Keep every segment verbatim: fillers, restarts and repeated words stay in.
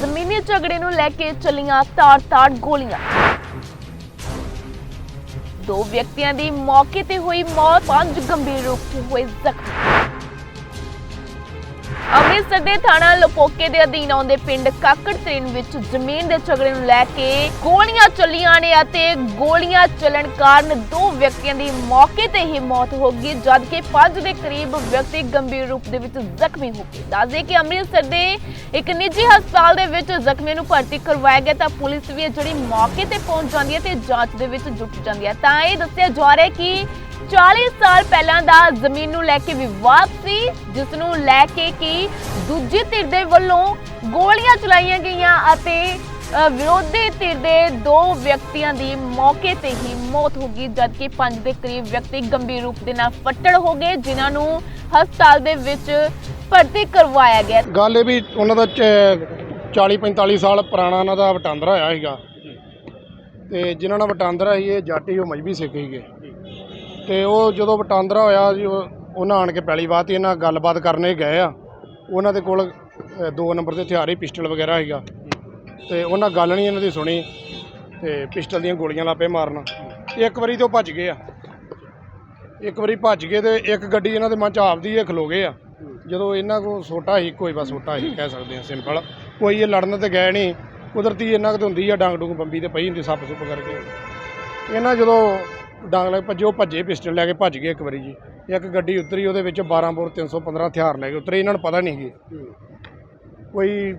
ਜ਼ਮੀਨੀ ਝਗੜੇ ਨੂੰ ਲੈ ਕੇ ਚੱਲੀਆਂ ਤਾਰ-ਤਾਰ ਗੋਲੀਆਂ। ਦੋ ਵਿਅਕਤੀਆਂ ਦੀ ਮੌਕੇ ਤੇ ਹੋਈ ਮੌਤ, ਪੰਜ ਗੰਭੀਰ ਰੂਪ 'ਚ ਹੋਏ ਜ਼ਖਮੀ। ਅੰਮ੍ਰਿਤਸਰ ਦੇ ਥਾਣਾ ਲੋਪੋਕੇ ਦੇ ਅਧੀਨ ਆਉਂਦੇ ਪਿੰਡ ਕਾਕੜ ਤਰੀਨ ਵਿੱਚ ਜ਼ਮੀਨ ਦੇ ਝਗੜੇ ਨੂੰ ਲੈ ਕੇ ਗੋਲੀਆਂ ਚੱਲੀਆਂ ਨੇ ਅਤੇ ਗੋਲੀਆਂ ਚੱਲਣ ਕਾਰਨ ਦੋ ਵਿਅਕਤੀਆਂ ਦੀ ਮੌਕੇ ਤੇ ਹੀ ਮੌਤ ਹੋ ਗਈ, ਜਦਕਿ ਪੰਜ ਦੇ ਕਰੀਬ ਵਿਅਕਤੀ ਗੰਭੀਰ ਰੂਪ ਦੇ ਵਿੱਚ ਜ਼ਖਮੀ ਹੋ ਗਏ। ਦੱਸਦੇ ਕਿ ਅੰਮ੍ਰਿਤਸਰ ਦੇ ਇੱਕ ਨਿੱਜੀ ਹਸਪਤਾਲ ਦੇ ਵਿੱਚ ਜ਼ਖਮੀਆਂ ਨੂੰ ਭਰਤੀ ਕਰਵਾਇਆ ਗਿਆ ਤਾਂ ਪੁਲਿਸ ਵੀ ਜਿਹੜੀ ਮੌਕੇ ਤੇ ਪਹੁੰਚ ਜਾਂਦੀ ਹੈ ਤੇ ਜਾਂਚ ਦੇ ਵਿੱਚ ਜੁਟ ਜਾਂਦੀ ਹੈ। ਤਾਂ ਇਹ ਦੱਸਿਆ ਜਾ ਰਿਹਾ ਹੈ ਕਿ ਚਾਲੀ ਸਾਲ ਪਹਿਲਾਂ ਦਾ ਜ਼ਮੀਨ ਨੂੰ ਲੈ ਕੇ ਵਿਵਾਦ ਸੀ, ਜਿਸ ਨੂੰ ਲੈ ਕੇ ਕਿ ਦੂਜੀ ਧਿਰ ਦੇ ਵੱਲੋਂ ਗੋਲੀਆਂ ਚਲਾਈਆਂ ਗਈਆਂ ਅਤੇ ਵਿਰੋਧੀ ਧਿਰ ਦੇ ਦੋ ਵਿਅਕਤੀਆਂ ਦੀ ਮੌਕੇ ਤੇ ਹੀ ਮੌਤ ਹੋ ਗਈ, ਜਦਕਿ ਪੰਜ ਦੇ ਕਰੀਬ ਵਿਅਕਤੀ ਗੰਭੀਰ ਰੂਪ ਦੇ ਨਾਲ ਫੱਟੜ ਹੋ ਗਏ, ਜਿਨ੍ਹਾਂ ਨੂੰ ਹਸਪਤਾਲ ਦੇ ਵਿੱਚ ਭਰਤੀ ਕਰਵਾਇਆ ਗਿਆ। ਗੱਲ ਇਹ ਵੀ ਉਹਨਾਂ ਦਾ ਚਾਲੀ ਪੰਤਾਲੀ ਸਾਲ ਪੁਰਾਣਾ ਉਹਨਾਂ ਦਾ ਵਟਾਂਦਰਾ ਹੋਇਆ ਸੀਗਾ ਤੇ ਜਿਨ੍ਹਾਂ ਨਾਲ ਵਟਾਂਦਰਾ ਸੀ ਇਹ ਜਾਟੀ ਉਹ ਮਜ਼੍ਹਬੀ ਸਿੱਖ ਸੀਗੇ ਤੇ ਉਹ ਜਦੋਂ ਵਟਾਂਦਰਾ ਹੋਇਆ ਜੀ ਉਹਨਾਂ ਆਣ ਕੇ ਪਹਿਲੀ ਵਾਰ ਤੇ ਇਹਨਾਂ ਗੱਲਬਾਤ ਕਰਨੇ ਗਏ ਆ। ਉਹਨਾਂ ਦੇ ਕੋਲ ਦੋ ਨੰਬਰ ਦੇ ਹਥਿਆਰ ਹੀ ਪਿਸਟਲ ਵਗੈਰਾ ਸੀਗਾ ਤੇ ਉਹਨਾਂ ਗੱਲ ਨਹੀਂ ਇਹਨਾਂ ਦੀ ਸੁਣੀ ਤੇ ਪਿਸਟਲ ਦੀਆਂ ਗੋਲੀਆਂ ਲਾਪੇ ਮਾਰਨ। ਇੱਕ ਵਾਰੀ ਤੇ ਉਹ ਭੱਜ ਗਏ ਆ, ਇੱਕ ਵਾਰੀ ਭੱਜ ਗਏ ਤੇ ਇੱਕ ਗੱਡੀ ਇਹਨਾਂ ਦੇ ਮਨ 'ਚ ਆਪਦੀ ਇਹ ਖਲੋ ਗਏ ਆ। ਜਦੋਂ ਇਹਨਾਂ ਕੋਲ ਸੋਟਾ ਹੀ ਕੋਈ ਬਸ ਸੋਟਾ ਹੀ ਕਹਿ ਸਕਦੇ ਹਾਂ ਸਿੰਪਲ, ਕੋਈ ਇਹ ਲੜਨ ਤੇ ਗਏ ਨਹੀਂ, ਕੁਦਰਤੀ ਇਹਨਾਂ ਕੋਲ ਹੁੰਦੀ ਆ ਡਾਂਗ ਡੂੰਗ ਬੰਬੀ ਤੇ ਪਈ ਹੁੰਦੀ ਸੱਪ ਸੁੱਪ ਕਰਕੇ। ਇਹਨਾਂ ਜਦੋਂ ਡਾਂਗ ਲੈ ਭੱਜੇ ਉਹ ਭੱਜੇ ਪਿਸਟਲ ਲੈ ਕੇ ਭੱਜ ਗਏ। ਇੱਕ ਵਾਰੀ ਜੀ ਇੱਕ ਗੱਡੀ ਉਤਰੀ, ਉਹਦੇ ਵਿੱਚ ਬਾਰਾਂ ਬੋਰ ਤਿੰਨ ਸੌ ਪੰਦਰਾਂ ਹਥਿਆਰ ਲੈ ਕੇ ਉਤਰੇ। ਇਹਨਾਂ ਨੂੰ ਪਤਾ ਨਹੀਂ ਸੀ ਕੋਈ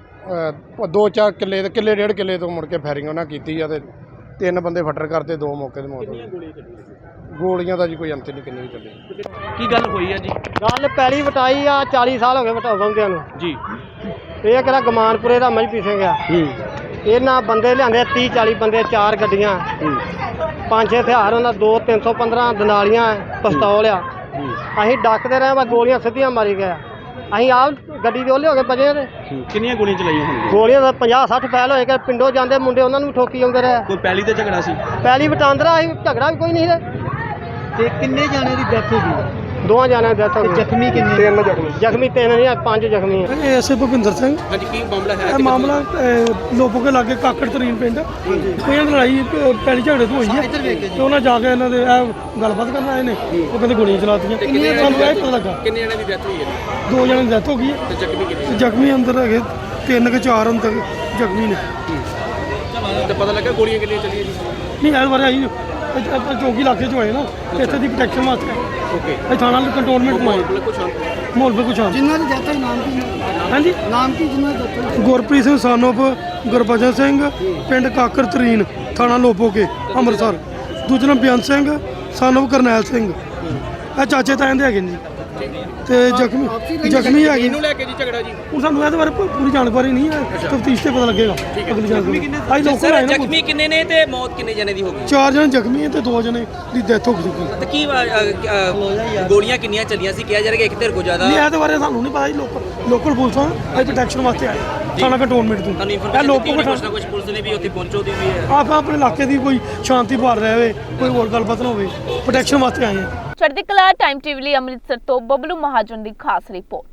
ਦੋ ਚਾਰ ਕਿੱਲੇ ਦੇ ਕਿੱਲੇ ਡੇਢ ਕਿੱਲੇ ਤੋਂ ਮੁੜ ਕੇ ਫਾਇਰਿੰਗ ਉਹਨਾਂ ਕੀਤੀ ਆ ਤੇ ਤਿੰਨ ਬੰਦੇ ਫੱਟਰ ਕਰਤੇ, ਦੋ ਮੌਕੇ ਤੇ ਮੌਤ ਹੋ ਗਈ। ਗੋਲੀਆਂ ਦਾ ਜੀ ਕੋਈ ਅੰਤ ਨਹੀਂ ਕਿੰਨੀ ਵੀ ਚੱਲੀ। ਕੀ ਗੱਲ ਹੋਈ ਆ ਜੀ? ਗੱਲ ਪਹਿਲੀ ਵਟਾਈ ਆ, ਚਾਲੀ ਸਾਲ ਹੋ ਗਏ ਵਟਾਉਂਦਿਆਂ ਨੂੰ ਜੀ। ਇਹ ਕਿਹੜਾ ਗਮਾਨਪੁਰੇ ਦਾ ਮਜ਼੍ਹਬੀ ਸਿੰਘ ਆ। ਇਹਨਾਂ ਬੰਦੇ ਲਿਆਂਦੇ ਤੀਹ ਚਾਲੀ ਬੰਦੇ, ਚਾਰ ਗੱਡੀਆਂ, ਪੰਜ ਛੇ ਹਥਿਆਰ ਉਹਨਾਂ, ਦੋ ਤਿੰਨ ਸੌ ਪੰਦਰਾਂ ਦਨਾਲੀਆਂ, ਪਿਸਤੌਲ ਆ। ਅਸੀਂ ਡੱਕਦੇ ਰਹੇ, ਬਸ ਗੋਲੀਆਂ ਸਿੱਧੀਆਂ ਮਾਰੀ ਗਏ। ਅਸੀਂ ਆਪ ਗੱਡੀ ਦੇ ਉਹਲੇ ਹੋ ਕੇ ਬਜੇ ਤੇ ਕਿੰਨੀਆਂ ਗੋਲੀਆਂ ਚਲਾਈਆਂ ਹੋਣਗੀਆਂ? ਗੋਲੀਆਂ ਦਾ ਪੰਜਾਹ ਸੱਠ ਫੈਲ ਹੋਏ ਕਿ ਪਿੰਡੋਂ ਜਾਂਦੇ ਮੁੰਡੇ ਉਹਨਾਂ ਨੂੰ ਵੀ ਠੋਕੀ ਆਉਂਦੇ ਰਹੇ। ਕੋਈ ਪਹਿਲੀ ਤੇ ਝਗੜਾ ਸੀ? ਪਹਿਲੀ ਵਟਾਂਦਰਾ ਅਸੀਂ, ਝਗੜਾ ਵੀ ਕੋਈ ਨਹੀਂ ਸੀ। ਤੇ ਕਿੰਨੇ ਜਾਣੇ ਦੀ ਡੈਥ ਹੋ ਗਈ? ਦੋਵਾਂ ਜਾਣਿਆਂ ਦੀ ਡੈਥ ਹੋ ਗਈ। ਜ਼ਖਮੀ ਕਿੰਨੇ? ਤਿੰਨ ਜ਼ਖਮੀ ਜ਼ਖਮੀ ਤਿੰਨ ਨਹੀਂ, ਪੰਜ ਜ਼ਖਮੀ ਆ। ਇਹ ਐਸੇ ਭੁਪਿੰਦਰ ਸਿੰਘ। ਹਾਂਜੀ, ਕੀ ਮਾਮਲਾ ਹੈ? ਇਹ ਮਾਮਲਾ ਲੋਪੋਕੇ ਲਾਗੇ ਕਾਕੜ ਤਰੀਨ ਪਿੰਡ, ਇਹਨਾਂ ਦੀ ਲੜਾਈ ਪਹਿਲੀ ਝਗੜੇ ਤੋਂ ਹੋਈ ਹੈ ਤੇ ਉਹਨਾਂ ਜਾ ਕੇ ਇਹਨਾਂ ਦੇ ਇਹ ਗੱਲਬਾਤ ਕਰਨ ਆਏ ਨੇ, ਉਹ ਕਹਿੰਦੇ ਗੋਲੀਆਂ ਚਲਾਤੀਆਂ। ਸਾਨੂੰ ਇਹ ਪਤਾ ਲੱਗਾ ਕਿੰਨੇ ਜਣੇ ਦੀ ਡੈਥ ਹੋਈ ਹੈ? ਦੋ ਜਣਿਆਂ ਦੀ ਡੈਥ ਹੋ ਗਈ ਹੈ ਤੇ ਜ਼ਖਮੀ ਕਿੰਨੇ? ਜ਼ਖਮੀ ਅੰਦਰ ਹੈਗੇ ਤਿੰਨ ਕਿ ਚਾਰ ਅੰਦਰ ਜ਼ਖਮੀ ਨੇ। ਤੇ ਪਤਾ ਲੱਗਾ ਗੋਲੀਆਂ ਕਿੰਨੀਆਂ ਚੱਲੀਆਂ ਜੀ? ਨਹੀਂ ਇਸ ਬਾਰੇ ਆਈ ਆਪਾਂ ਚੌਕੀ ਇਲਾਕੇ 'ਚ ਹੋਏ ਨਾ, ਇੱਥੇ ਦੀ ਪ੍ਰੋਟੈਕਸ਼ਨ ਵਾਸਤੇ ਓਕੇ। ਇਹ ਥਾਣਾ ਕੰਟਰੋਲਮੈਂਟ ਮਾਏ ਬਿਲਕੁਲ ਸ਼ਾਂਤ। ਮਾਹੌਲ ਬਿਲਕੁਲ ਸ਼ਾਂਤ। ਜਿਨ੍ਹਾਂ ਦੀ ਡੈਥ ਹੋਈ ਨਾਮ ਕੀ? ਹਾਂਜੀ, ਨਾਮ ਕੀ ਜਿਨ੍ਹਾਂ ਦੀ ਡੈਥ ਹੋਈ? ਗੁਰਪ੍ਰੀਤ ਸਿੰਘ ਸਾਨੋਪ ਗੁਰਬਚਨ ਸਿੰਘ, ਪਿੰਡ ਕਾਕਰ ਤਰੀਨ, ਥਾਣਾ ਲੋਪੋਕੇ, ਅੰਮ੍ਰਿਤਸਰ। ਦੂਜਾ ਨਾਮ ਬਿਆਨ ਸਿੰਘ ਸਾਨੋਪ ਕਰਨੈਲ ਸਿੰਘ, ਇਹ ਚਾਚੇ ਤਾਇਆਂ ਦੇ ਹੈਗੇ ਨੇ ਜੀ। ਤੇ ਜ਼ਖਮੀ ਜ਼ਖਮੀ ਹੈਗੇ ਇਹਨੂੰ ਲੈ ਕੇ ਜੀ ਝਗੜਾ ਜੀ? ਹੁਣ ਸਾਨੂੰ ਇਹਦੇ ਬਾਰੇ ਪੂਰੀ ਜਾਣਕਾਰੀ ਨਹੀਂ ਹੈ, ਤਫਤੀਸ਼ ਤੇ ਪਤਾ ਲੱਗੇਗਾ ਅਗਲੀ ਜਾਣਕਾਰੀ। ਅੱਜ ਲੋਕਲ ਆਏ ਨਾ, ਜ਼ਖਮੀ ਕਿੰਨੇ ਨੇ ਤੇ ਮੌਤ ਕਿੰਨੇ ਜਣੇ ਦੀ ਹੋ ਗਈ? ਚਾਰ ਜਣੇ ਜ਼ਖਮੀ ਹੈ ਤੇ ਦੋ ਜਣੇ ਦੀ ਡੈਥ ਹੋ ਚੁੱਕੀ। ਤੇ ਕੀ ਗੋਲੀਆਂ ਕਿੰਨੀਆਂ ਚੱਲੀਆਂ ਸੀ? ਕਿਹਾ ਜਾ ਰਿਹਾ ਕਿ ਇੱਕ ਧਿਰ ਕੋ ਜ਼ਿਆਦਾ? ਨਹੀਂ ਇਹਦੇ ਬਾਰੇ ਸਾਨੂੰ ਨਹੀਂ ਪਤਾ ਜੀ। ਲੋਕਲ ਲੋਕਲ ਪੁਲਿਸ ਆ, ਅਸੀਂ ਪ੍ਰੋਟੈਕਸ਼ਨ ਵਾਸਤੇ ਆਏ ਥਾਣਾ ਕੰਟਰੋਲਮੈਂਟ ਤੋਂ। ਤੁਹਾਨੂੰ ਇਹ ਇਨਫੋਰਮੇਸ਼ਨ ਲੋਕਲ ਦਿੱਤੀ ਕੁਝ ਨਾ ਕੁਝ ਪੁਲਿਸ ਨੇ ਵੀ ਉੱਥੇ ਪਹੁੰਚੋ ਦੀ ਵੀ ਹੈ? ਆਪ ਆਪਣੇ ਇਲਾਕੇ ਦੀ ਕੋਈ ਸ਼ਾਂਤੀ ਭਾਲ ਰਿਹਾ ਹੋਵੇ, ਕੋਈ ਹੋਰ ਗੱਲਬਾਤ ਨਾ ਹੋਵੇ, ਪ੍ਰੋਟੈਕਸ਼ਨ ਵਾਸਤੇ ਆਏ ਹਾਂ। ਚੜ੍ਹਦੀ ਕਲਾ ਟਾਈਮ ਟੀਵੀ ਲਈ ਅੰਮ੍ਰਿਤਸਰ ਤੋਂ ਬਬਲੂ ਮਹਾਜਨ ਦੀ ਖਾਸ ਰਿਪੋਰਟ।